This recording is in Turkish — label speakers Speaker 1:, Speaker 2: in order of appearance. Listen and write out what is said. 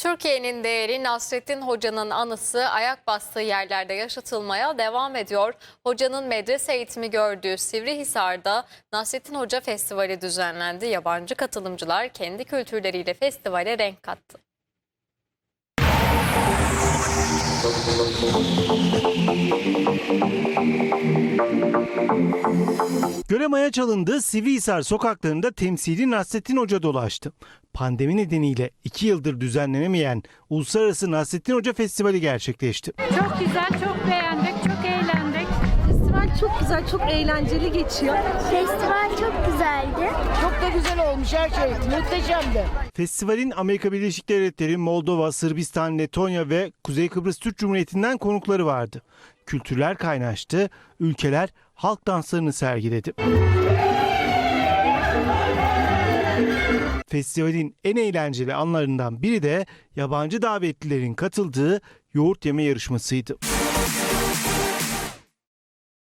Speaker 1: Türkiye'nin değeri Nasrettin Hoca'nın anısı ayak bastığı yerlerde yaşatılmaya devam ediyor. Hocanın medrese eğitimi gördüğü Sivrihisar'da Nasrettin Hoca Festivali düzenlendi. Yabancı katılımcılar kendi kültürleriyle festivale renk kattı.
Speaker 2: Göremaya çalındığı Sivrihisar sokaklarında temsili Nasrettin Hoca dolaştı. Pandemi nedeniyle 2 yıldır düzenlenemeyen Uluslararası Nasrettin Hoca Festivali gerçekleşti.
Speaker 3: Çok güzel, çok beğendik, çok eğlendik.
Speaker 4: Festival çok güzel, çok eğlenceli geçiyor.
Speaker 5: Festival çok güzeldi.
Speaker 6: Çok da güzel olmuş her şey. Muhteşemdi.
Speaker 2: Festivalin Amerika Birleşik Devletleri, Moldova, Sırbistan, Letonya ve Kuzey Kıbrıs Türk Cumhuriyeti'nden konukları vardı. Kültürler kaynaştı, ülkeler halk danslarını sergiledi. Festivalin en eğlenceli anlarından biri de yabancı davetlilerin katıldığı yoğurt yeme yarışmasıydı.